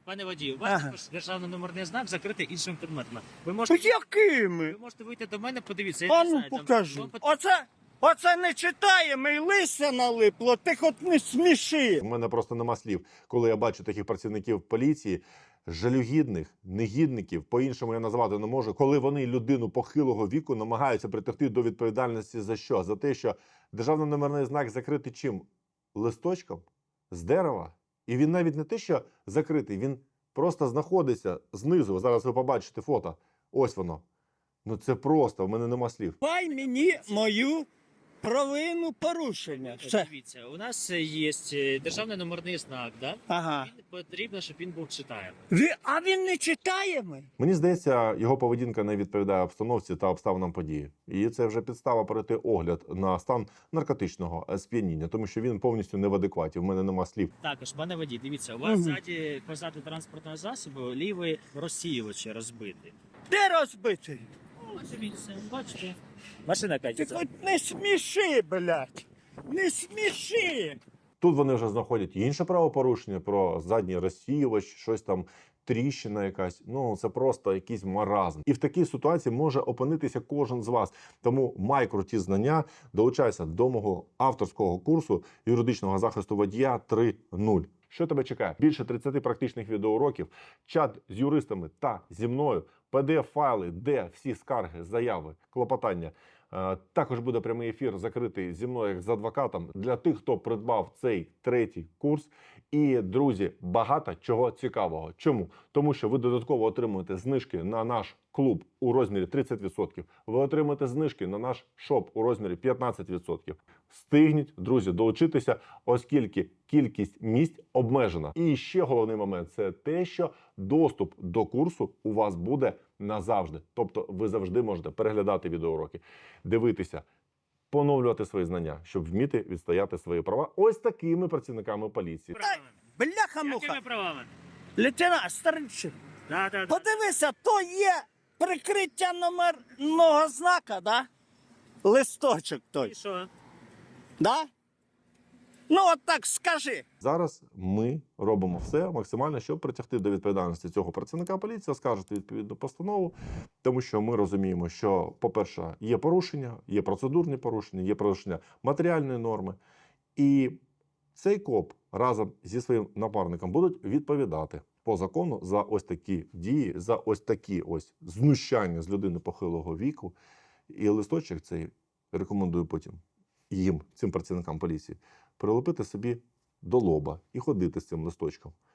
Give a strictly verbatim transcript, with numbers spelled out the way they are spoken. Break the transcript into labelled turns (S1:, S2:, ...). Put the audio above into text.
S1: Пане водію, у вас
S2: Ага.
S1: також державний номерний знак закритий іншим предметом. Ви можете,
S2: Якими?
S1: ви можете вийти до мене, подивіться. Я
S2: А
S1: не
S2: ну
S1: знаю, там-
S2: покажи.
S1: вам пот-
S2: Оце, оце не читаємо і листя налипло, ти хоч не сміши.
S3: У мене просто нема слів, коли я бачу таких працівників поліції, жалюгідних, негідників, по-іншому я назвати не можу, коли вони людину похилого віку намагаються притягти до відповідальності за що? За те, що державний номерний знак закритий чим? Листочком з дерева. І він навіть не те, що закритий, він просто знаходиться знизу. Зараз ви побачите фото. Ось воно. Ну це просто, в мене нема слів.
S2: Давай мені мою провину порушення. Все.
S1: Дивіться, у нас є е, державний номерний знак, да?
S2: Ага.
S1: Він потрібно, щоб він був читаємий.
S2: Ви, а він не читаємо?
S3: Мені здається, його поведінка не відповідає обстановці та обставинам події. І це вже підстава перейти огляд на стан наркотичного сп'яніння, тому що він повністю не в адекваті. В мене нема слів.
S1: Також, пане водій, дивіться, у вас
S2: Мгм.
S1: ззаді позаду транспортного засобу лівий розсіювач розбитий.
S2: Де розбитий?
S1: Ось дивіться, бачите? Машина
S2: Ти
S1: катиться.
S2: хоч не сміши, блядь. Не сміши.
S3: Тут вони вже знаходять інше правопорушення про задній розсіювач, щось там, тріщина якась. Ну, це просто якийсь маразм. І в такій ситуації може опинитися кожен з вас. Тому май круті знання, долучайся до мого авторського курсу юридичного захисту водія три нуль. Що тебе чекає? Більше тридцяти практичних відеоуроків, чат з юристами та зі мною, пі ді еф-файли, де всі скарги, заяви, клопотання. Е, Також буде прямий ефір закритий зі мною як з адвокатом для тих, хто придбав цей третій курс. І, друзі, багато чого цікавого. Чому? Тому що ви додатково отримуєте знижки на наш клуб у розмірі тридцять відсотків. Ви отримаєте знижки на наш шоп у розмірі п'ятнадцять відсотків. Встигніть, друзі, долучитися, оскільки кількість місць обмежена. І ще головний момент – це те, що доступ до курсу у вас буде назавжди. Тобто ви завжди можете переглядати відеоуроки, дивитися, поновлювати свої знання, щоб вміти відстояти свої права ось такими працівниками поліції.
S1: Правами.
S2: Бляха-муха.
S1: Якими правами?
S2: Лейтенант, старичі,
S1: Да, да, да.
S2: подивися, то є прикриття номерного знака, да? Листочок той,
S1: І що?
S2: да? Ну, от так скажи.
S3: Зараз ми робимо все максимально, щоб притягти до відповідальності цього працівника поліції, оскаржити відповідну постанову, тому що ми розуміємо, що, по-перше, є порушення, є процедурні порушення, є порушення матеріальної норми. І цей коп разом зі своїм напарником будуть відповідати по закону за ось такі дії, за ось такі ось знущання з людини похилого віку. І листочок цей рекомендую потім їм, цим працівникам поліції, прилепити собі до лоба і ходити з цим листочком.